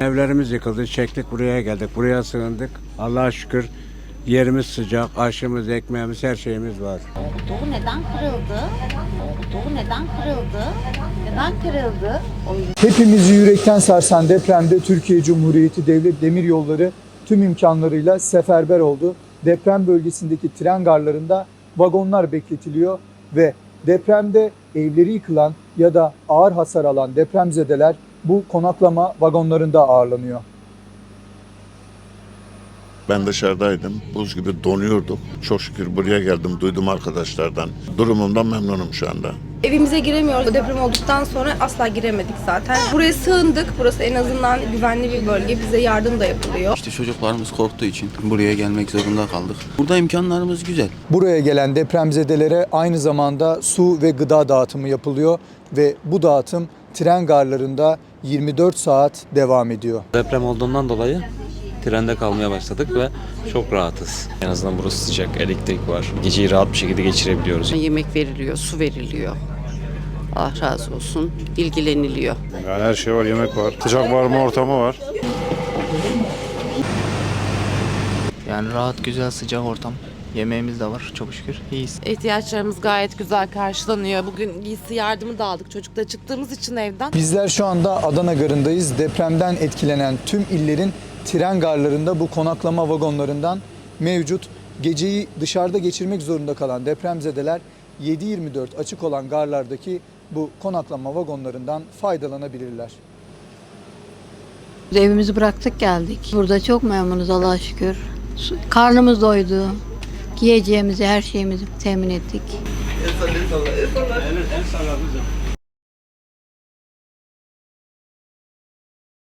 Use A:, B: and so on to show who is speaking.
A: Evlerimiz yıkıldı, çektik buraya geldik, buraya sığındık. Allah'a şükür yerimiz sıcak, aşımız, ekmeğimiz, her şeyimiz var.
B: Doğu neden kırıldı? Doğu neden kırıldı? Neden kırıldı?
C: Hepimizi yürekten sarsan depremde Türkiye Cumhuriyeti Devlet Demiryolları tüm imkanlarıyla seferber oldu. Deprem bölgesindeki tren garlarında vagonlar bekletiliyor ve depremde evleri yıkılan ya da ağır hasar alan depremzedeler bu konaklama vagonlarında ağırlanıyor.
D: Ben dışarıdaydım. Buz gibi donuyorduk. Çok şükür buraya geldim. Duydum arkadaşlardan. Durumumdan memnunum şu anda.
E: Evimize giremiyoruz. Deprem olduktan sonra asla giremedik zaten. Buraya sığındık. Burası en azından güvenli bir bölge. Bize yardım da yapılıyor.
F: İşte çocuklarımız korktuğu için buraya gelmek zorunda kaldık. Burada imkanlarımız güzel.
C: Buraya gelen depremzedelere aynı zamanda su ve gıda dağıtımı yapılıyor ve bu dağıtım tren garlarında 24 saat devam ediyor.
G: Deprem olduğundan dolayı trende kalmaya başladık ve çok rahatız.
H: En azından burası sıcak, elektrik var. Geceyi rahat bir şekilde geçirebiliyoruz.
I: Yemek veriliyor, su veriliyor. Allah razı olsun, ilgileniliyor.
J: Yani her şey var, yemek var, sıcak barınma ortamı var.
K: Yani rahat, güzel, sıcak ortam. Yemeğimiz de var çok şükür. İyiyiz.
L: İhtiyaçlarımız gayet güzel karşılanıyor. Bugün giysi yardımı da aldık çocukla çıktığımız için evden.
C: Bizler şu anda Adana Garı'ndayız. Depremden etkilenen tüm illerin tren garlarında bu konaklama vagonlarından mevcut. Geceyi dışarıda geçirmek zorunda kalan depremzedeler 7/24 açık olan garlardaki bu konaklama vagonlarından faydalanabilirler.
M: Evimizi bıraktık geldik. Burada çok memnunuz Allah'a şükür. Karnımız doydu. Giyeceğimizi, her şeyimizi temin ettik.